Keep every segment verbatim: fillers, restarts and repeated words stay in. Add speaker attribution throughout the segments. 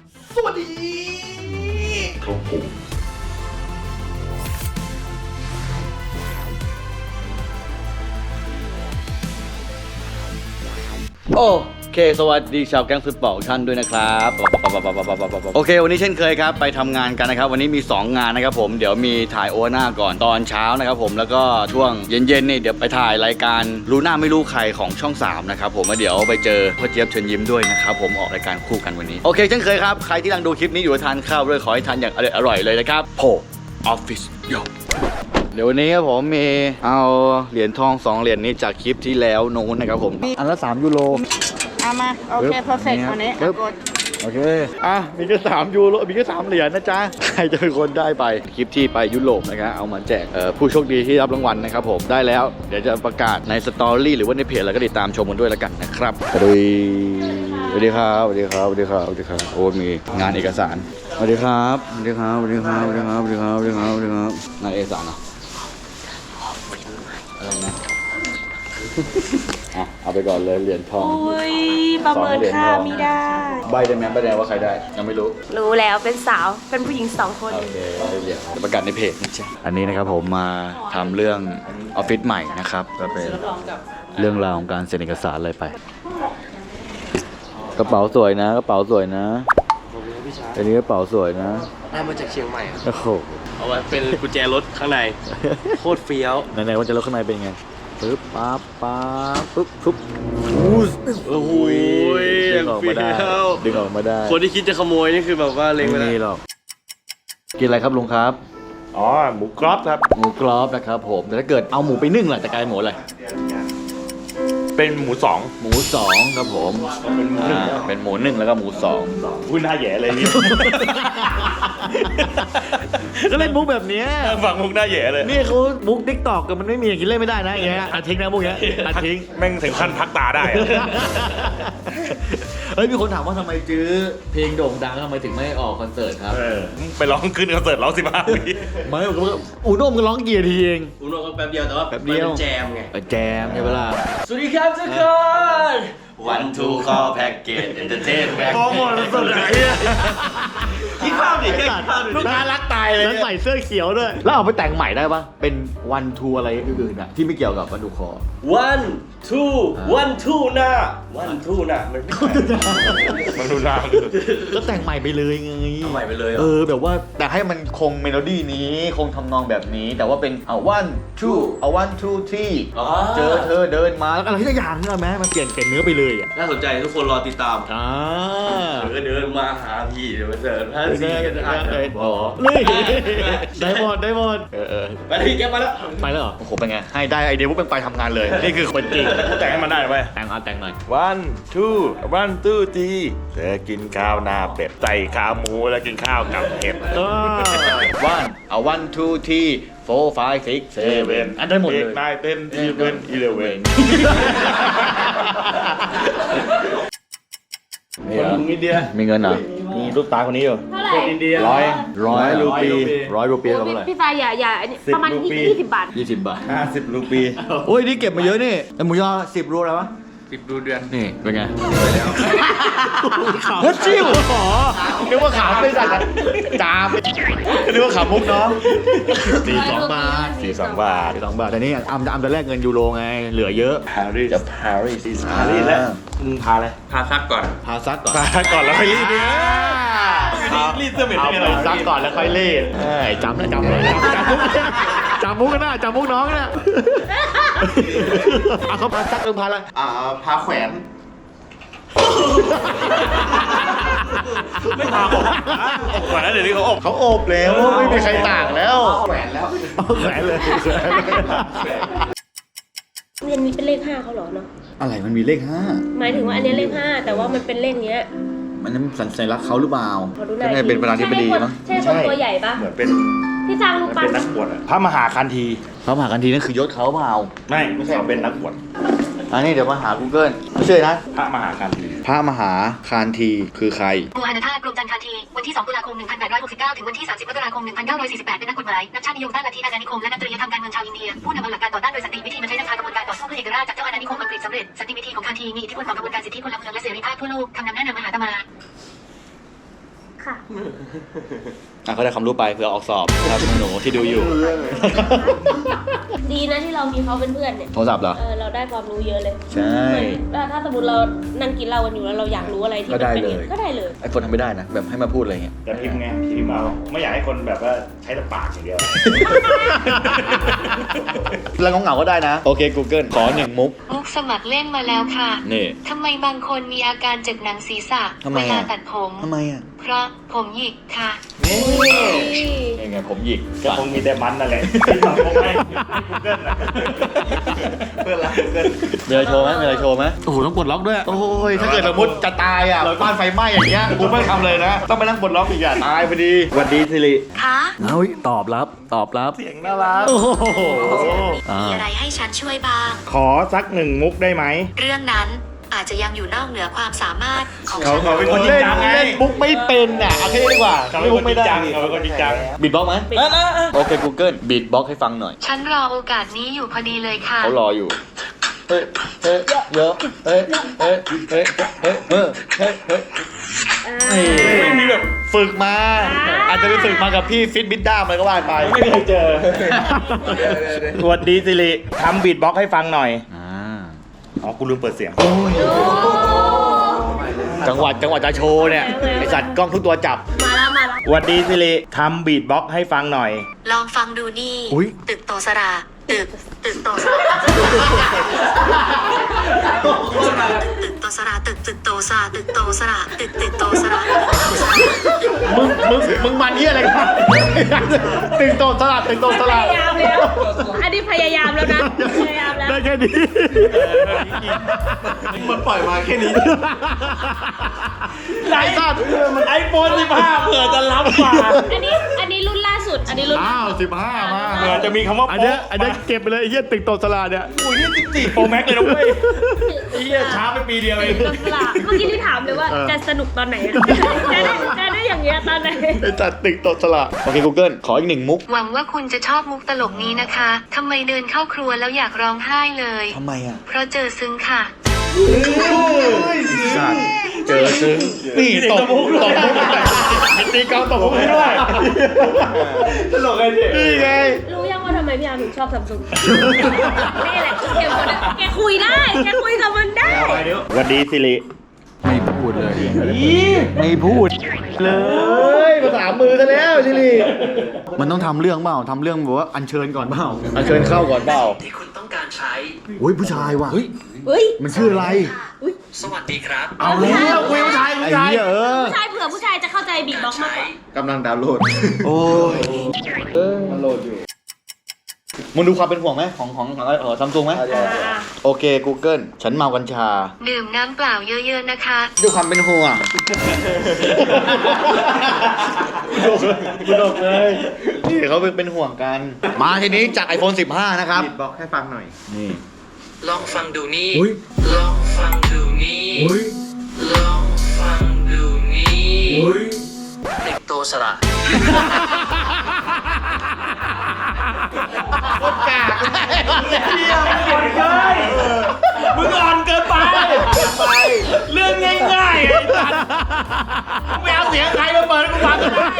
Speaker 1: สวัสดีครับผมโอเคสวัสดีชาวแก๊งฟุตบอลท่านด้วยนะครับโอเควันนี้เช่นเคยครับไปทำงานกันนะครับวันนี้มีสองงานนะครับผมเดี๋ยวมีถ่ายโอวาน่าก่อนตอนเช้านะครับผมแล้วก็ช่วงเย็นๆนี่เดี๋ยวไปถ่ายรายการรู้หน้าไม่รู้ใครของช่องสามนะครับผมแล้วเดี๋ยวไปเจอพ่อเจี๊ยบเชิญยิ้มด้วยนะครับผมออกรายการคู่กันวันนี้โอเคเช่นเคยครับใครที่กำลังดูคลิปนี้อยู่ทานข้าวด้วยขอให้ทานอย่างอร่อยๆเลยนะครับโพออฟฟิศโยเดี๋ยววันนี้ครับผมมีเอาเหรียญทองสองเหรียญนี้จากคลิปที่แล้วโน้นนะครับผมอันละสามยูโร
Speaker 2: เอามาโอเคเพอร์เฟกต์วันนี้กด
Speaker 1: โอเคอ่ะมีแค่สามยูโรมีแค่สามเหรียญนะจ๊ะใครจะเป็นคนได้ไปคลิปที่ไปยุโรปนะครับเอามาแจกผู้โชคดีที่รับรางวัลนะครับผมได้แล้วเดี๋ยวจะประกาศในสตอรี่หรือว่าในเพจแล้วก็ติดตามชมกันด้วยแล้วกันนะครับสวัสดีสวัสดีครับสวัสดีครับสวัสดีครับสวัสดีครับโอ้มีงานเอกสารสวัสดีครับสวัสดีครับสวัสดีครับสวัสดีครับสวัสดีครับสวัสดีครับสวัสดีครับงานเอกสารเหรออะไรนะเอาไปก่อนเลยเหรียญทอง
Speaker 2: อุ้ยประเมินค่าไม่ได้
Speaker 1: ใบได้ไหมใบได้ว่าใครได้ยังไม่รู้
Speaker 2: รู้แล้วเป็นสาวเป็นผู้หญิงสองคน
Speaker 1: โอเคได้เหรียญประกาศในเพจนะจ๊ะอันนี้นะครับผมมาทำเรื่องออฟฟิศใหม่นะครับก็เป็นเรื่องราวของการเซ็นเอกสารอะไรไปกระเป๋าสวยนะกระเป๋าสวยนะอันนี้กระเป๋าสวยนะ
Speaker 3: ได้มาจากเชียงใหม่ครับ
Speaker 1: โอ้โห
Speaker 3: เอาไว้เป็นกุญแจรถข้างในโคตรเฟี้ยว
Speaker 1: ไหนๆว่าจะรถข้างในเป็นไงปึ๊บปั๊บปั๊บปึ๊บปึ๊บอู้
Speaker 3: โอ้โห
Speaker 1: ดึงออกมาได้ดึงออกมาได้
Speaker 3: คนที่คิดจะขโมยนี่คือแบบว่าเล็งไปแล้ว
Speaker 1: ไม่มีหรอกกินอะไรครับลุงครับ
Speaker 3: อ๋อหมูกรอบครับ
Speaker 1: หมูกรอบนะครับผมแต่ถ้าเกิดเอาหมูไปนึ่งล่ะจะกลายหมูอะไร
Speaker 3: เป็นหมูสอง
Speaker 1: หมูสองครับผมเป็นหมูหนึ่งเป็นหมูหนึ่งแล้วก็หมูสอง
Speaker 3: พูดหน้าแย่เลยนี่
Speaker 1: ก็เล่นมุกแบบนี้
Speaker 3: ฝั่งมุกหน้าแย่เลย
Speaker 1: นี่เขามุกติ๊กตอกกันมันไม่มีอย่างนี้เล่นไม่ได้นะอย่างเงี้ยตัดทิ้งนะมุกเงี้ยตัดทิ้ง
Speaker 3: แม่งถึงขั้นพักตาได้
Speaker 1: เฮ้ยมีคนถามว่าทำไมจื้อเพลงโด่งดังทำไมถึงไม่ออกคอนเสิร์ตครับ
Speaker 3: ไปร้องขึ้นคอนเสิร์ตร้องสิบห้าปี
Speaker 1: ไม่อูโน่มันร้องกี่ทีเอง
Speaker 3: อูโน่ก็แป๊บเดียวแต่ว่า
Speaker 1: แป๊บเดียว
Speaker 3: แจมไง
Speaker 1: แจมใช่ไหมล่ะ
Speaker 3: สวัสดีครับทุกคนวันทูคอแพ็กเกจเอนเตอร์เทนแบ็คโปรโมทสุดเลยคิดภาพดิคิดภาพ
Speaker 1: ลูกค้ารักตายเลยแล้วใส่เสื้อเขียวด้วยแล้วเอาไปแต่งใหม่ได้ปะเป็นวันทูอะไรอื่นๆอ่ะที่ไม่เกี่ยวกับวันทูคอ
Speaker 3: วันทูวันทูนะวันทูนะมันมันทูนะ
Speaker 1: ก็แต่งใหม่ไปเลยไง
Speaker 3: ใหม่ไปเลย
Speaker 1: เออแบบว่าแต่ให้มันคงเมโลดี้นี้คงทำนองแบบนี้แต่ว่าเป็นเอาวันทูเอาวันทูที่เจอเธอเดินมาแล้วอะไรที่อย่างนึงไหมมันเปลี่ยนเป็นเนื้อไปเลยอ่ะ
Speaker 3: น่าสนใจทุกคนรอติดตาม
Speaker 1: อ่า
Speaker 3: เธอเดินมาหาพี่เดี๋ยวมาเจอท่านซีกันอ่าน
Speaker 1: บอกนี่ได้หมดได้หมดเออ
Speaker 3: ไปที่แกมาแล้ว
Speaker 1: ไปแล้วโอ้โหเป็นไงให้ได้ไอเดียปุ๊บเป็นไปทำงานเลยนี่คือคนจริง
Speaker 3: แต่งให้มันได้ไป
Speaker 1: แต่งเอาแต่งหน่อย
Speaker 3: one two one two three เธอกินข้าวหน้าเป็ดใส่ขาหมูแล้วกินข้าวกับเห็ด
Speaker 1: one เอา one two three four five six seven อันได้หมดเลย
Speaker 3: นายเต้น even eleven
Speaker 1: คนอินเดียมีเงินเหรอ
Speaker 3: มีรูปตาคนนี้อยู่
Speaker 2: คน
Speaker 3: อินเดีย
Speaker 1: ร้อยร้อยรูปีร้อยรูปีกับอะไร
Speaker 2: พี่ตาอย่าอย่าประมาณยี่สิบบาท
Speaker 1: ยี่สิบบาท
Speaker 3: ห้าสิบรูปี
Speaker 1: โอ้ยนี่เก็บมาเยอะนี่แต่หมูยอสิบรูอะไรวะ
Speaker 3: สิบรูเดือน
Speaker 1: นี่เป็นไงไปแล้วฮัทชิวอ๋อนึกว่าขามไม่สั่นจามนึกว่าขามมุกน้องสี่สองบาท
Speaker 3: สี่สองบาท
Speaker 1: สี่สองบาทแต่นี่อัมจะอัมจะแลกเงินยูโรไงเหลือเยอะ
Speaker 3: ปารีส
Speaker 1: จะปารีส
Speaker 3: ปารีสแล้วมึงพาอะไรพาซักก่อน
Speaker 1: พาซักก่อน
Speaker 3: พาซักก่อนแล้วค่อยรีดเนี่ยรีดเสื้อเหม็น
Speaker 1: เอาไปซักก่อนแล้วค่อยรีดจำนะจำเลยจำมุกจำมุกกันนะจำมุกน้องนะเอาเขาพาซักเรื่องพาอะไร
Speaker 3: อ่าพาแขวนไม่พาอบอบก่อนนะเดี๋ยวนี้เขาอบ
Speaker 1: เขาอบแล้วไม่มีใครต่างแล้ว
Speaker 3: แขวนแล้ว
Speaker 1: แขวนเลย
Speaker 2: เรียนมีเป็นเลขห้าเขาหรอเนาะ
Speaker 1: อะไรมันมีเลขห้า
Speaker 2: หมายถึงว่าอันนี้เลขห้าแต่ว่ามันเป็นเลขเนี้ย
Speaker 1: มันนั้นสัญลักษณ์เขาหรือเปล่า
Speaker 2: ก็ไง
Speaker 1: เป็นประธานาธิบดีมั้ง
Speaker 2: ใช่คนตัวใหญ่ปะ
Speaker 3: เหมือนเป็น
Speaker 2: พี่จางลูกปั้น
Speaker 3: เป็นนักบวชพระมหาคันธี
Speaker 1: พระมหาคันธีนั่นคือยศเขาเปล่า
Speaker 3: ไม่ไม่ใช่เขาเป็นนักบวช
Speaker 1: อันนี้เดี๋ยวมาหา Google ไม่ใช่นะ
Speaker 3: พระมหาคันธี
Speaker 1: พระมหาคันธีคือใคร
Speaker 4: โมอานาธาตุกรมจันทร์คันธีวันที่สองตุลาคมหนึ่งพันแปดร้อยหกสิบเก้าถึงวันที่สามสิบมกราคมหนึ่งพันเก้าร้อยสี่สิบแปดเป็นนักกฎหมายนักชาตินิยมด้านลัทธิอาณานิคมและนักจริยธรรมการเมืองชาวอินเดียผู้นำเอาหลักการต่อต้านโดยสันติวิธีมาใช้นำพากระบวนการต่อสู้เพื่อเอกราชจากเจ้าอาณานิคมอังกฤษสำเร็จสันติวิธีของคันธีมีอิทธิพลต่อกระบวนการสิทธิพลเมืองและเสรีภาพทั่วโลกคำนำแนะนำมหาตมา
Speaker 2: ค่ะ
Speaker 1: อ่ะก็ได้ความรู้ไปเผื่อออกสอบครับหนูที่ดูอยู่
Speaker 2: ดีนะที่เรามีเขาเป็นเพื่อนเนี่ย
Speaker 1: โทรศัพท์เหรอ
Speaker 2: เออเราได้ความรู้เยอะเลย
Speaker 1: ใช่
Speaker 2: เหมือนถ้าสมมติเรานั่งกินเหล้ากันอยู่แล้วเราอยากรู้อะไรที่
Speaker 1: ก็
Speaker 2: มัน
Speaker 1: ได้
Speaker 2: เป็น
Speaker 1: เล
Speaker 2: อย่าง
Speaker 1: ย
Speaker 2: นี้ก็ได้เลย
Speaker 1: ไอโฟนทำไม่ได้นะ แบบให้มาพูดอะไรเงี้ย
Speaker 3: แต่พิมพ์ไงพิมพ์เอาไม่อยากให้คนแบบว่าใช้แต่ปากอย่างเดียว
Speaker 1: แล้วเหงาๆก็ได้นะ โอเค Google ขอหนึ่งมุก
Speaker 4: มุกสมัครเล่นมาแล้วค่ะ
Speaker 1: นี่
Speaker 4: ทำไมบางคนมีอาการเจ็บหนังศีรษะ
Speaker 1: ทำไม
Speaker 4: เว
Speaker 1: อะ
Speaker 4: ลาตัดผม
Speaker 1: ทำไมอ่ะ
Speaker 4: เพราะผมหยิกค่ะ
Speaker 3: นี่
Speaker 1: ยังไงผมหยิก
Speaker 3: ก็คงมีแต่มันนั่นแหละที่ทำคงให้กูเกิลนะเพื่อนรักกูเกิล
Speaker 1: มีอะไรโชว์ไหมมีอะไรโชว์ไหม
Speaker 5: โอ้โหต้องปลดล็อกด้วย
Speaker 1: โอ้ย ถ้าเกิดสมมติจะตายอ่ะบ้านไฟไหม้อย่างเงี้ย กูไม่ทำเลยนะ ต้องไปนั่งปลดล็อกอีกอ่ะ ตายพอดีสวัสดีสิริ
Speaker 4: คะ
Speaker 5: เอาตอบรับ ตอบรับ
Speaker 3: เสียงน่ารัก
Speaker 5: โอ้โหอ่า
Speaker 4: มีอะไรให้ฉันช่วยบ้าง
Speaker 3: ขอสักหนึ่งมุกได้ไหม
Speaker 4: เรื่องนั้นอาจจะยังอยู่นอกเหนือความสามารถของ
Speaker 3: เขา
Speaker 4: ฉัน
Speaker 3: เขาเป็นคนจริง
Speaker 1: เล่น
Speaker 3: จังไง
Speaker 1: เล่นบุ๊กไม่เป็นอ่ะเอาแค่นี้ดีกว่า
Speaker 3: เขาเป็นคนจริงจังเขาเป็นคนจริงจัง
Speaker 1: บีทบ็อกไหม
Speaker 2: เป็น
Speaker 1: โอเค Google บีทบ็อกให้ฟังหน่อย
Speaker 4: ฉันรอโอกาสนี้อยู่พอดีเลยค่ะ
Speaker 1: เขารออยู่ เฮ้ย เฮ้ย เยอะ เฮ้ย เฮ้ย เฮ้ย เฮ้ย เฮ้ย เฮ้ย เฮ้ย
Speaker 2: อ่า
Speaker 1: ไม่มีแบบฝึกมา อาจจะไปฝึกมากับพี่ฟิตบิดด้ามอะไรก็ว่าไป
Speaker 3: ไม่เคยเจอสวัสดีสิริทำบีทบ็อกซ์ให้ฟังหน่อย
Speaker 1: อ่า
Speaker 3: อ๋อ กูลืมเปิดเสียง
Speaker 1: จังหวัดจังหวัดจะโชว์เนี่ย ไอสัตว์กล้องทุกตัวจับ
Speaker 2: มาแล้วมาแล้ว
Speaker 3: สวัสดีสิริทำบีทบ็อกซ์ให้ฟังหน่อย
Speaker 4: ลองฟังดูนี่
Speaker 1: อุ๊ย
Speaker 4: ตึกโตสราตึกตึกโตสราตึกโตสราตึกตึกโตสราตึกโตสราตึกตึกโตสราตึกโตสรา
Speaker 1: มึง มึง มึงมันเยี่ยอะไรกันตึงโตสลัดตึงโตส
Speaker 2: พ
Speaker 1: ลัด
Speaker 2: ยายามแล้วอันนี้พยายามแล้วนะพยายามแล้ว
Speaker 1: ได้แค่นี้
Speaker 5: มันปล่อยมาแค่นี้
Speaker 3: ไอสัตว์ไอโฟนสิบห้าเผื่อจะล้ำกว่า
Speaker 2: อันนี้อันนี้รุ่นล่าสุด อันนี้รุ่น
Speaker 1: อ้าวสิบห้ามา
Speaker 3: เผื่อจะมีคำว่า
Speaker 1: อันเนี้ยอันเนี้ยเก็บไปเลยไอ้เหี้ยตึงโตสลัดเนี่ย
Speaker 3: อุ้ยนี่สิบสี่โปรแม็กเลยนะเว้ยไอ้เหี้ยช้าไปปีเดียวเอง
Speaker 2: ต้นสลากเมื่อกี้ที่ถามเลยว่าจะสนุกตอนไหนอะจะได้จะได้อย่างเงี้ยตอนไหน
Speaker 1: ไอ้จัดตึงโตสลัดโอเค Google ขออีกหนึ่งมุก
Speaker 4: หวังว่าคุณจะชอบมุกตลกนี้นะคะทำไมเดินเข้าครัวแล้วอยากร้องไห้เลย
Speaker 1: ทำไมอ่ะ
Speaker 4: เพราะเจอซึ้งค่ะ
Speaker 1: สัตว์เจอซึ้งนี่ตบมุกตบมุกตีกองตบมุกให้ด้วย
Speaker 3: ตลกไงพี่
Speaker 1: นี่ไง
Speaker 2: รู้ยังว่าทำไมพี่อาร์มถึงชอบซัมซุงนี่แหละเกมคนนั้นแกคุยได้ แกคุยกับมันได้
Speaker 3: สวัสดีสิริ
Speaker 5: ไม่พูดเลย
Speaker 1: ไม่พูดเลยภาษามือซะแล้วชิลีมันต้องทำเรื่องเปล่าทำเรื่องแบบว่าอัญเชิญก่อนเปล่าอัญเชิญเข้าก่อนเปล่า
Speaker 6: ที่คุณต้องการใช้
Speaker 1: โอ้ยผู้ชายว่ะ
Speaker 5: เฮ้ย
Speaker 2: เฮ้ย
Speaker 1: มันชื่ออะไร
Speaker 6: สวัสดีครับ
Speaker 1: เอาแล้วคุยผู้ชายผู้ชายเออ
Speaker 2: ผู้ชายเผื่อผู้ชายจะเข้าใจบีทบ็อกซ์มากกว่า
Speaker 1: กำลังดาวน์โหลดโอ้ยเออมันโหลดอยู่มึงดูความเป็นห่วงไหมของของของเออซัมซุงไหมโอเค Google ฉันเมากัญชา
Speaker 4: ดื่มน้ำเปล่าเยอะๆนะคะ
Speaker 1: ด้วยความเป็นห่วงกูดกเลยนี่เขาเป็นห่วงกัน มาทีนี้จาก iPhone สิบห้านะครับ
Speaker 3: บีทบ็อกซ์ให้ฟังหน่อย
Speaker 1: นี่
Speaker 6: ลองฟังดูนี่
Speaker 1: อุ๊ย
Speaker 6: ลองฟังดูนี่ ลองฟังดูนี่เด็กโตสระ
Speaker 3: มึงอ่อนเกินไปเรื่องง่ายๆไอ้สัตว์มึงไปเอาเสียงใครมาเปิดกูฟังก็ได้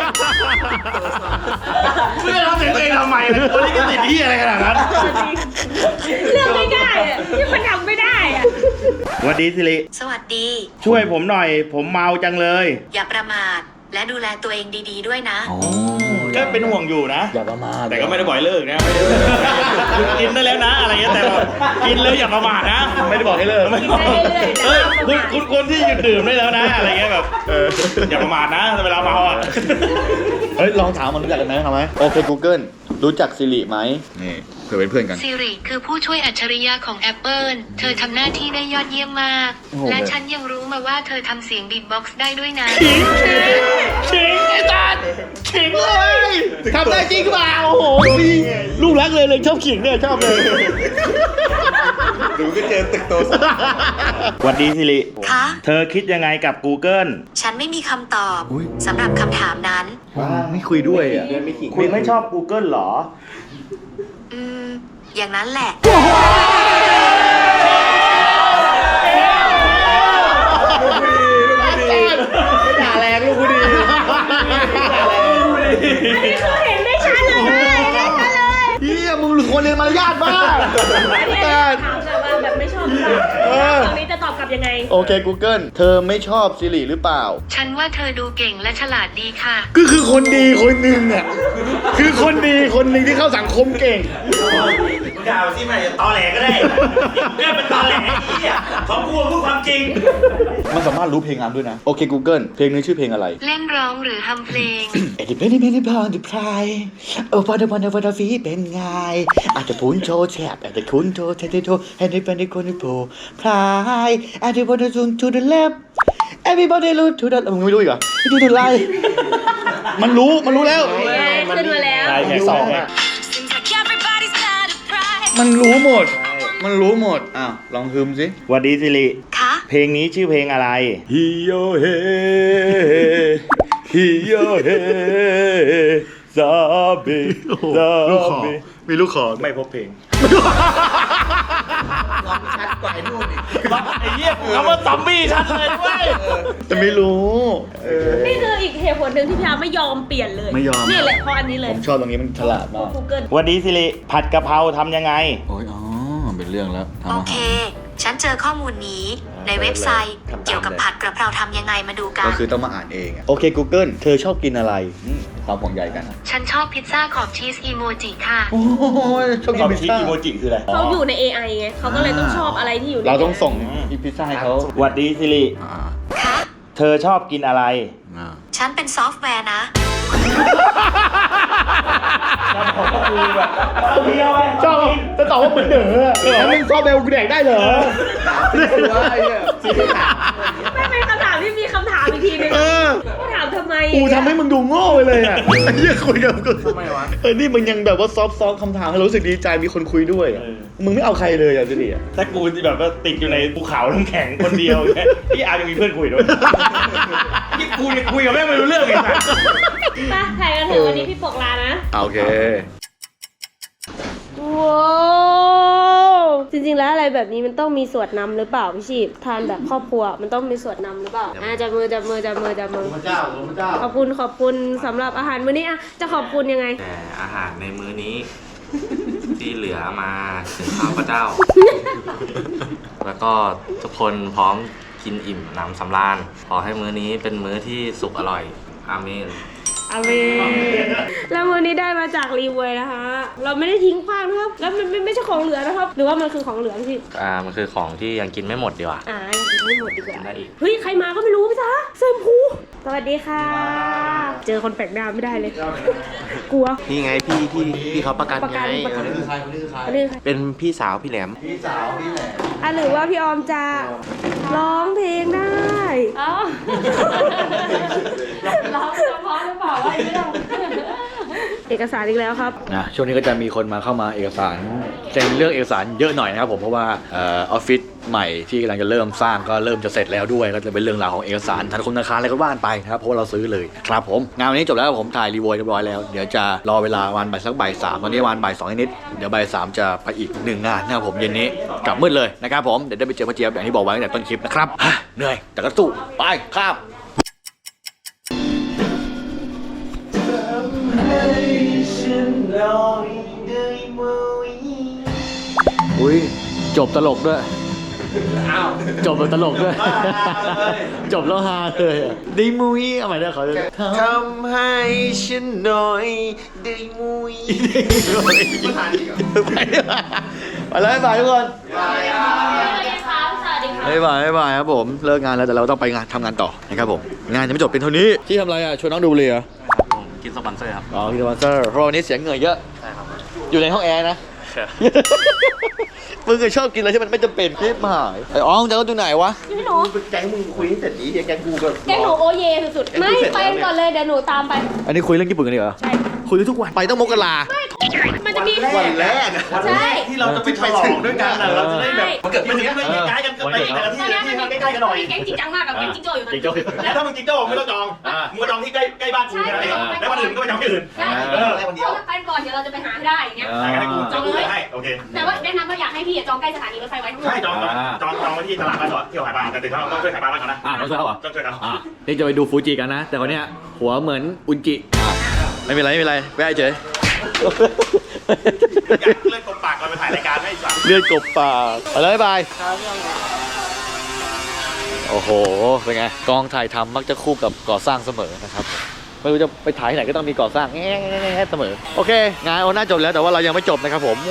Speaker 3: เพื่อเอาเสียงตัวเองทำไมล่ะตัวนี้ก็ติดที่อะไรขนาดนั้น
Speaker 2: เรื่องไม่ได้อะที่มันทำไม่ได้อะ
Speaker 3: สวัสดีสิริ
Speaker 4: สวัสดี
Speaker 3: ช่วยผมหน่อย ผมเมาจังเลย
Speaker 4: อย่าประมาทและดูแลตัวเองดีๆด้วยนะ
Speaker 3: ก็เป็นห่วงอยู่นะ
Speaker 1: อย่าประมาท
Speaker 3: แต่ก็ไม่ได้บ่อยเลิกนะไม่ได้หยุดกินได้แล้วนะ อะไรเงี้ยแต่แบบกินเลยอย่าประมาทนะ
Speaker 1: ไม่ได้บอกให้เลิก
Speaker 3: ไม่บอกเฮ้ยคุณคุณคนที่หยุดดื่มได้แล้วนะ อะไรเงี้ยแบบเอออย่าประมาทนะเวลาเมาอ่ะ
Speaker 1: เฮ้ย ลองถามมันรู้จักกันไหมทำไหมโอเค Google รู้จักซิริไหมนี่เผื่อเป็นเพื่อนกัน
Speaker 4: ซิริคือผู้ช่วยอัจฉริยะของ Apple เธอทำหน้าที่ได้ยอดเยี่ยมมาก
Speaker 1: โอ้โห
Speaker 4: และฉันยังรู้มาว่าเธอทำเสียงบีทบ็อกซ์ได้ด้วยนะ
Speaker 3: ขิงไอ้ตันขิงเลย
Speaker 1: ทำได้จริงเปล่าโอ้โหลูกรักเลยเลยชอบขิงเนี่ยชอบเลย
Speaker 3: ดูก็เจอตึกโตสวัสดีสิริ
Speaker 4: คะ
Speaker 3: เธอคิดยังไงกับ Google
Speaker 4: ฉันไม่มีคำตอบ
Speaker 1: อุ๊ย
Speaker 4: สำหรับคำถามนั้น
Speaker 1: ไม่คุยด้วยอ่ะ
Speaker 3: คุณไม่ชอบ Google หรอ
Speaker 4: อืม อย่างนั้นแหละ
Speaker 1: ไม่ด่าแรงลูกกูดี
Speaker 2: อันนี้คือเห็นไม่ชัดเลยเห็นไม่ชัดเลย
Speaker 1: เฮียมึงควรเรียนมารยาทบ้าง
Speaker 2: อันนี้ถามเลยว่าแบบไม่ชอบหรือเปล่าตอนนี้จะตอบกลับยังไง
Speaker 1: โอเค Google เธอไม่ชอบซิริหรือเปล่า
Speaker 4: ฉันว่าเธอดูเก่งและฉลาดดีค่ะ
Speaker 1: ก็คือคนดีคนหนึ่งอ่ะ คือคนดีคนหนึ่งที่เข้าสังคมเก่ง
Speaker 3: มึงด่าสิมันจะตอแหลก็ได้เกิดเป็นตอแหลไอ้เหี้ยเขาพูดพูดความจริง
Speaker 1: มันสามารถรู้เพลงงามด้วยนะ โอเค Google เพลงนี้ชื่อเพลงอะไร
Speaker 4: เล่นร้องหรือทำเพลง
Speaker 1: เอ็ดดี้เป็นเป็นพอนดิพรายโอ้พอดวันวันฟีเป็นไงอาจจะพูนโชว์แฉบอาจจะคุ้นโชว์เทเทโชแฮนดี้เป็นคนที่โผล่พรายอาจจะพูนทูทูเดอะเลฟ everybody look to the มึงไม่รู้อีกเหรอทูเดอะไลมันรู้มันรู้แล้ว
Speaker 2: ขึ้นมาแล้ว
Speaker 3: ใช่แค่สองอ่ะ
Speaker 1: มันรู้หมด มันรู้หมดอ้าวลองฮึมสิ
Speaker 3: สวัสดีสิริ
Speaker 4: คะ
Speaker 3: เพลงนี้ชื่อเพลงอะไร
Speaker 1: ฮิโยเฮฮิโยเฮซาบิซาบิมีลูกคอ
Speaker 3: ไม่พบเพลง
Speaker 5: ชัดกว่าไอ้นู่นอีก
Speaker 3: ไอ้เหี้ยกูคำว่าซอมบี้ชัดเลยเว้ย
Speaker 1: แต่ไม่รู้เออ
Speaker 2: นี่คืออีกเหตุผลหนึ่งที่พี่อาร์ไม่ยอมเปลี่ยนเลย
Speaker 1: ไม่ยอม
Speaker 2: นี่แหละเพราะอันนี้เลย
Speaker 1: ผมชอบตรงนี้มันฉลาดมาก
Speaker 2: กูเกิล
Speaker 3: สวัสดีสิริผัดกะเพราทำยังไง
Speaker 5: โอ้ยอ๋อ เป็นเรื่องแล้วทำ
Speaker 4: โอ
Speaker 5: อา
Speaker 4: เค
Speaker 5: หาร
Speaker 4: ฉันเจอข้อมูลนี้ในเว็บไซต์ เกี่ยวกับผัดกระเพราทำยังไงมาดูกั
Speaker 1: ก็
Speaker 4: น
Speaker 1: คือต้องมาอ่านเองอะโอเค Google เธอชอบกินอะไรอืมความห่วงใยกัน
Speaker 4: ฉันชอบพิซซ่าขอบชีสอีโมจิค่ะ
Speaker 1: โอ้ยชอบ
Speaker 3: ค
Speaker 1: กิ
Speaker 3: วาน ม
Speaker 1: พิซ
Speaker 3: คิด
Speaker 1: ซ่า
Speaker 3: อีโมจิคืออะไร
Speaker 2: เขาอยู่ใน เอ ไอ ไงเขาก็เลยต้องชอบอะไรที่อยู่ใน
Speaker 1: เราต้องส่งอีพิซซ่าให้เขา
Speaker 3: สวัสดีสิริ
Speaker 5: อ่า
Speaker 4: คะ
Speaker 3: เธอชอบกินอะไร
Speaker 5: อ่า
Speaker 4: ฉันเป็นซอฟต์แวร์นะ
Speaker 1: ชอบจะตอบว่าเหมือนเด๋อแล้วมึงซอเบลกูแดกได้เหรอ
Speaker 2: ไม่เป็นคำถามที่มีคำถามอีกทีนึง
Speaker 1: เออ
Speaker 2: ถามทำไม
Speaker 1: กูทำให้มึงดูโง่ไปเลยอ่ะไอ้เหี้ยคุยกับกู
Speaker 5: ทำไมวะ
Speaker 1: เออนี่มึงยังแบบว่าซอฟต์ซอฟคำถามให้เรารู้สึกดีใจมีคนคุยด้วยอะ
Speaker 3: เออ
Speaker 1: มึงไม่เอาใครเลยอ่ะสิอ่ะ
Speaker 3: ถ้ากูแบบว่าติดอยู่ในภูเขาน้ำแข็งคนเดียวเนี่ยพี่อาร์ยังมีเพื่อนคุยด้วยนี่กูเนี่ยคุยกับแม่งไม่รู้เรื่องเลยนะ
Speaker 2: ไปถ่ายกันเถอะวันนี้พี่ปกลานะ
Speaker 1: โอเค
Speaker 2: ว้าวจริงๆแล้วอะไรแบบนี้มันต้องมีสวดนำหรือเปล่าพี่ชีพทานแบบครอบครัวมันต้องมีสวดนำหรือเปล่าอ่ะจับมือจับมือจับมือจับมือ
Speaker 1: พระเจ้าพระเจ้า
Speaker 2: ขอบคุณขอบคุณสำหรับอาหารมื้อนี้อ่ะจะขอบคุณยังไง
Speaker 6: แต่อาหารในมื้อนี้ ที่เหลือมาถึงข้าพเจ้า แล้วก็ทุกคนพร้อมกินอิ่มหนำสำราญขอให้มื้อนี้เป็นมื้อที่สุกอร่อย อาเมน
Speaker 2: อาเมนแล้วมื้อนี้ได้มาจากรีเวยนะคะ เราไม่ได้ทิ้งขว้างนะครับ แล้วมันไม่ไม่ใช่ของเหลือนะครับ หรือว่ามันคือของเหลือพี่
Speaker 6: อ่า มันคือของที่ยังกินไม่หมดดีกว่า
Speaker 2: อ่ายังกินไม่หมดดีกว่า
Speaker 6: ได้อีก
Speaker 2: เฮ้ยใครมาก็ไม่รู้พี่จ๊ะเซมพูสวัสดีค่ะ เจอคนแปลกหน้าไม่ได้เลย กลัว
Speaker 7: นี่ไงพี่ที่พี่เขาประกัน
Speaker 2: ประกัน
Speaker 7: ไง
Speaker 2: ประกัน
Speaker 7: เออ
Speaker 1: ใครคนนี้คือใคร
Speaker 2: อันนี้ค่ะ
Speaker 7: เป็นพี่สาวพี่แหลม
Speaker 1: พี่สาวพี่แหละ
Speaker 2: อ่ะหรือว่าพี่ออมจะร้องเพลงได้อ๋อร้องเฉพาะหรือเปล่าว่าไม่ต้องเอกสารอีกแล้วครับ
Speaker 1: นะช่วงนี้ก็จะมีคนมาเข้ามาเอกสารเซ็นเรื่องเอกสารเยอะหน่อยนะครับผมเพราะว่าเออออฟฟิศใหม่ที่กำลังจะเริ่มสร้างก็เริ่มจะเสร็จแล้วด้วยก็จะเป็นเรื่องราวของเอกสารธนาคารธนาคารอะไรก็ว่านไปนะครับเพราะว่าเราซื้อเลยครับผมงานวันนี้จบแล้วผมถ่ายรีวิวเรียบร้อยแล้วเดี๋ยวจะรอเวลาวันบ่ายสักบ่ายสามตอนนี้วันบ่ายสองนิดๆเดี๋ยวบ่ายสามจะไปอีกหนึ่งงานนะครับผมเย็นนี้กลับมืดเลยนะครับผมเดี๋ยวได้ไปเจอพ่อเจี๊ยบอย่างที่บอกไว้ตั้งแต่ต้นคลิปนะครับฮะเหนื่อยแต่ก็สู้ไปครับ อุ้ยจบตลกด้วยจบแบบตลกด้วย จบแล้วฮาเลยอะดีมุ้ยเอาใหม่ได้ขอเลย
Speaker 7: ทำให้ฉันหน่อยได้มุย
Speaker 1: ไปแล้วบายทุกคนบายบายบายครับผมเลิกงานแล้วแต่เราต้องไปงานทำงานต่อนะครับผมงานจะไม่จบเป็นเท่านี้ที่ทำอะไรอ่ะชวนน้องดูเลยเหรอ
Speaker 6: ผมกินสปอนเซอร์ครับ
Speaker 1: อ๋อพี่สปอนเซอร์เพราะวันนี้เสียงเหงื่อเยอะ
Speaker 6: ใช่ครับ
Speaker 1: อยู่ในห้องแอร์นะ มึงเคยชอบกินอะไรที่มันไม่จำเป็นคลิปหายไอ้อ๋องจะก็ดูไหนวะ
Speaker 2: พี่หนู
Speaker 7: แก๊งมึงคุยตั้งแต่นี้แก๊งกูก็
Speaker 2: แกงหนูโอเยสุดๆไม่ไปก่อนเลยเดี๋ยวหนูตามไป
Speaker 1: อันนี้คุยเรื่องญี่ปุ่นกันดีเหรอ
Speaker 2: ใช่
Speaker 1: คุยทุกวันไปต้องมกรา
Speaker 2: มันจะมี
Speaker 7: วันแรกอะ
Speaker 2: ใช่
Speaker 3: ที่เราจะไปฉลองด้วยกันน่ะเราจะได้แบบ
Speaker 7: มันเกิด
Speaker 3: มัน
Speaker 7: ที่
Speaker 3: จะ
Speaker 7: นี้
Speaker 3: ได้ย้ายกันไปแต่ละที่
Speaker 2: ตอนนี้มันมี
Speaker 3: ที่ใกล้ๆกันหน่อย
Speaker 2: แก๊งจริงจังมากกับแก๊งจิงโจ้อยู่ตอนนี้
Speaker 3: แล้วถ้ามึงจิ๊กโจ้ไม่ต้องจองมึงมาจองที่ใกล้ใกล้บ้านกูแค่นั้นเองแล้ววันอื่นก็ไปจองที่อื่น
Speaker 2: ใช่
Speaker 3: เออ
Speaker 2: พวกกันก่อน
Speaker 8: ก่อนเดี๋ยวเราจะไปหาให้ได้อย่างเงี้ย
Speaker 3: ได้ให้กู
Speaker 8: จองเลย
Speaker 3: ให้โอเค
Speaker 8: แต่ว่าแนะนำว่าอยากให้พี่จองใกล้สถานีรถไฟไว้ทั้งหมด
Speaker 3: ใช่จองจองจองจองไว้ที่ตลาดบ้านจอดเที่ยวหายบ้านแต่ถึงเราต้องช่วยหายบ้านก่อนนะ
Speaker 1: อ่าต้องช่วยเขาเหรอ
Speaker 3: ต้องช่วยเขา
Speaker 1: อ่านี่จะไปดูฟูจิกันนะ แต่คนเนี้ยหัวเหมือนอุนจิอ่าไม่เป็นไรไม่เป็นไรไม่ให้เฉย
Speaker 3: อยากเลื่อนกบปากก่อนไปถ่ายรายการให้สั่ง
Speaker 1: เลือดกบปากไปเลยบายโอ้โหเป็นไงกองถ่ายทำมักจะคู่กับก่อสร้างเสมอนะครับไม่รู้จะไปถ่ายที่ไหนก็ต้องมีก่อสร้างแง่ๆเสมอโอเคงานโอน่าจบแล้วแต่ว่าเรายังไม่จบนะครับผม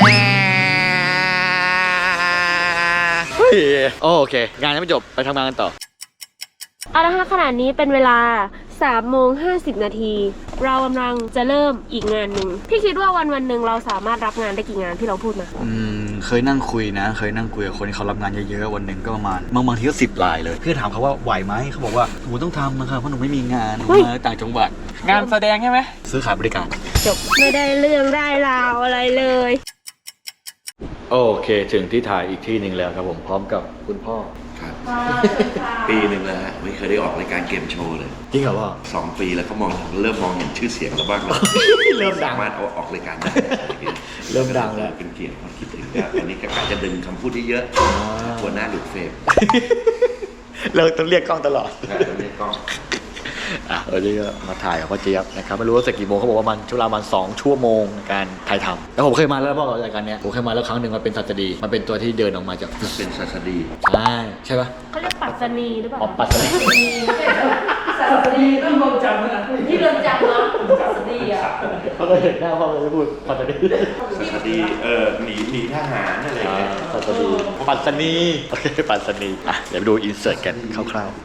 Speaker 1: เฮ้ยโอเคงานยังไม่จบไปทำงานกันต่อ
Speaker 2: เอาละค่ะขณะนี้เป็นเวลาสามโมงห้าสิบนาที เรากำลังจะเริ่มอีกงานหนึ่งพี่คิดว่าวันวันหนึ่งเราสามารถรับงานได้กี่งานที่เราพูดมา
Speaker 1: อืมเคยนั่งคุยนะ เคยนั่งคุยกับคนที่เขารับงานเยอะๆวันหนึ่งก็ประมาณบางบางทีก็สิบรายเลยพี่ถามเขาว่าไหวไหมเขาบอกว่าหนูต้องทำนะครับเพราะหนูไม่มีงานหนูมาต่างจังหวัด
Speaker 5: งานแสดงใช่ไหม
Speaker 1: ซื้อขายบริการ
Speaker 2: จบไม่ได้เรื่องได้ราวอะไรเลย
Speaker 1: โอเคถึงที่ถ่ายอีกที่หนึ่งแล้วครับผมพร้อมกับคุณพ่อ
Speaker 9: ครับปีหนึ่งแล้วฮะไม่เคยได้ออกรายการเกมโชว์เลย
Speaker 1: จริงเหรอพ่อ
Speaker 9: สองปีแล้วก็มองเริ่มมองเห็นชื่อเสียงแล้วบ้างแล้ว
Speaker 1: เริ่มดัง
Speaker 9: สามารถเอาออกรายการได้
Speaker 1: เริ่มดังแล้ว
Speaker 9: เป็นเกียรติคนคิดถึงแล้วอันนี้ก็อาจจะดึงคำพูดที่เยอะหัวหน้าหลุดเฟรม
Speaker 1: เราต้องเรียกกล้องตลอด
Speaker 9: นะต้องเรียกกล้อง
Speaker 1: อ่ะวันนี้ก็มาถ่ายกับพ่อเจี๊ยบนะครับไม่รู้ว่าเสร็จกี่โมงเขาบอกว่ามันช่วงเวลาประมาณสองชั่วโมงในการถ่ายทำแล้วผมเคยมาแล้วพ่อรายการเนี้ยผมเคยมาแล้วครั้งหนึ่งมันเป็นสัตว์ดีมันเป็นตัวที่เดินออกมาจาก
Speaker 9: เป็นศาสดี
Speaker 1: ใช่ใช่ปะ
Speaker 2: เขาเรียกปัตตานีหรือเปล่า
Speaker 1: อ๋อปัตตานี
Speaker 2: สัตนีที่เรือนจำนะที่เรือนจำนะสัตนีอ่ะ
Speaker 1: เขาก็เห็นหน้าพ่อเลยพูดปัตตานี
Speaker 9: ศาสดีเออหนีหนีทหารอะไรอย่างเงี้ย
Speaker 1: ปัตตานีปัตตานีโอเคปัตตานีอ่ะเดี๋ยวไปดูอินเสิร์ตกันคร่าวๆ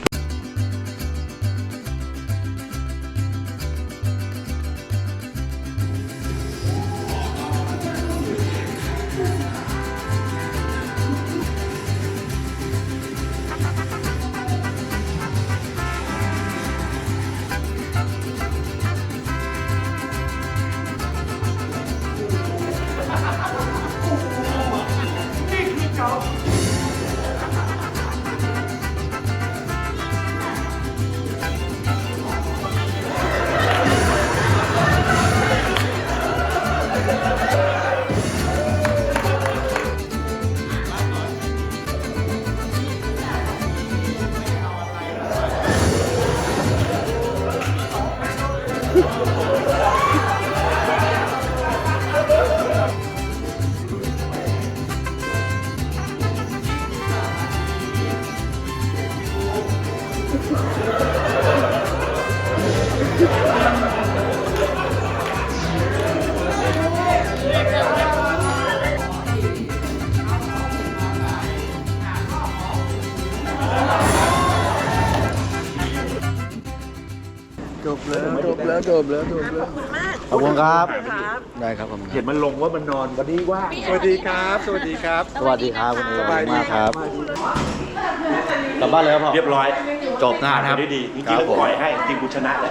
Speaker 5: จบแล้วจบแล้วจบแล้วจบแล้ว
Speaker 1: ขอบคุณครับได้ครับผม
Speaker 5: เห็นมันลงว่ามันนอนวันนี้ว่าสวัสดีครับ สวัสดีครับ
Speaker 1: สวัสดีครับคุณเอ๋
Speaker 5: สบายดี
Speaker 1: มากครับกลับบ้านเลยครับพ่อ
Speaker 3: เรียบร้อย
Speaker 1: จบงานครับ
Speaker 3: ได้ดีจริงๆแล้วปล่อยให้จริงกูชนะแหละ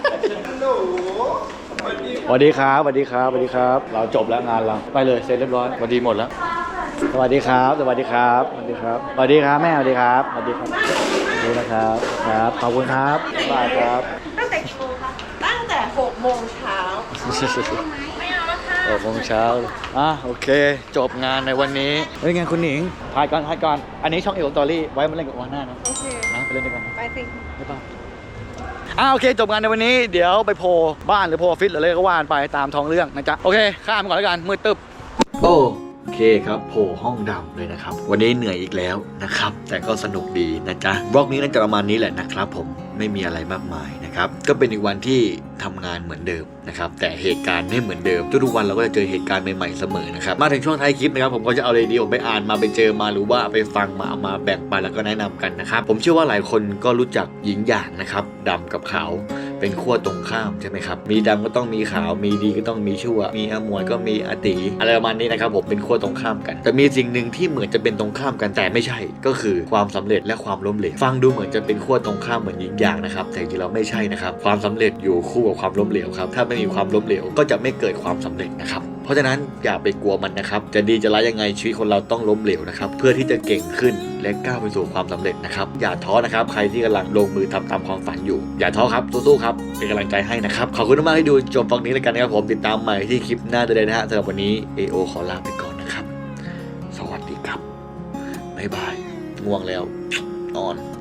Speaker 1: สวัสดีครับสวัสดีครับสวัสดีครับ เราจบแล้วงานเราไปเลยเสร็จเรียบร้อยสวัสดีหมดแล้ว สวัสดีครับ สวัสดีครับสวัสดีครับสวัสดีครับแม่สวัสดีครับสวัสดีครับสวัสดีนะครับครับขอบคุณครับบ๊ายบายครับ
Speaker 10: ตั้งแต่กี่โมงคะ ตั้งแต่หกโมงเช้า
Speaker 2: ไม่เอาแล้วค่ะ
Speaker 1: หกโมงเช้าอ่ะโอเค จบงานในวันนี้เฮ้ยงานคุณหนิงถ่ายก่อนถ่ายก่อนอันนี้ช่องเอวสตอรี่ไว้มาเล่นกับวาน่านะ
Speaker 10: โอเค
Speaker 1: นะไปเล่นด้วยกันนะ
Speaker 10: ไปสิ
Speaker 1: บ๊ายบายอ่ะโอเคจบงานในวันนี้เดี๋ยวไปโพลบ้านหรือโพลออฟฟิศหรืออะไรก็ว่านไปตามท้องเรื่องนะจ๊ะโอเคข้ามก่อนแล้วกันมืดตึ๊บโอเคครับโผล่ห้องดำเลยนะครับวันนี้เหนื่อยอีกแล้วนะครับแต่ก็สนุกดีนะจ๊ะบล็อกนี้น่าจะประมาณนี้แหละนะครับผมไม่มีอะไรมากมายนะครับก็เป็นอีกวันที่ทำงานเหมือนเดิมนะครับแต่เหตุการณ์ไม่เหมือนเดิมทุกๆวันเราก็จะเจอเหตุการณ์ใหม่ๆเสมอนะครับมาถึงช่วงท้ายคลิปนะครับผมก็จะเอาเรดิโอไปอ่านมาไปเจอมาหรือว่าไปฟังมาเอามาแบ่งปันแล้วก็แนะนำกันนะครับผมเชื่อว่าหลายคนก็รู้จักหญิงหยางนะครับดำกับขาวเป็นขั้วตรงข้ามใช่ไหมครับมีดำก็ต้องมีขาวมีดีก็ต้องมีชั่วมีอมวยก็มีอติอะไรประมาณนี้นะครับผมเป็นขั้วตรงข้ามกันแต่มีสิ่งหนึ่งที่เหมือนจะเป็นตรงข้ามกันแต่ไม่ใช่ก็คือความสำเร็จและความล้มเหลวฟังดูเหมือนจะเป็นขั้วตรงข้ามเหมือนหญิงหยางนะครับแต่จริงๆเราไม่ใช่นะครับความสำเร็จอยู่คู่กับความล้มเหลวครับถ้าไม่มีความล้มเหลวก็จะไม่เกิดความสำเร็จนะครับเพราะฉะนั้นอย่าไปกลัวมันนะครับจะดีจะร้ายยังไงชีวิตคนเราต้องล้มเหลวนะครับเพื่อที่จะเก่งขึ้นและก้าวไปสู่ความสำเร็จนะครับอย่าท้อนะครับใครที่กำลังลงมือทำตามความฝันอยู่อย่าท้อครับสู้ๆครับเป็นกำลังใจให้นะครับขอบคุณมากที่ดูจบตรงนี้แล้วกันนะครับผมติดตามใหม่ที่คลิปหน้าได้เลยนะฮะสำหรับวันนี้ เอ โอ ขอลาไปก่อนนะครับสวัสดีครับบ๊ายบายง่วงแล้วนอน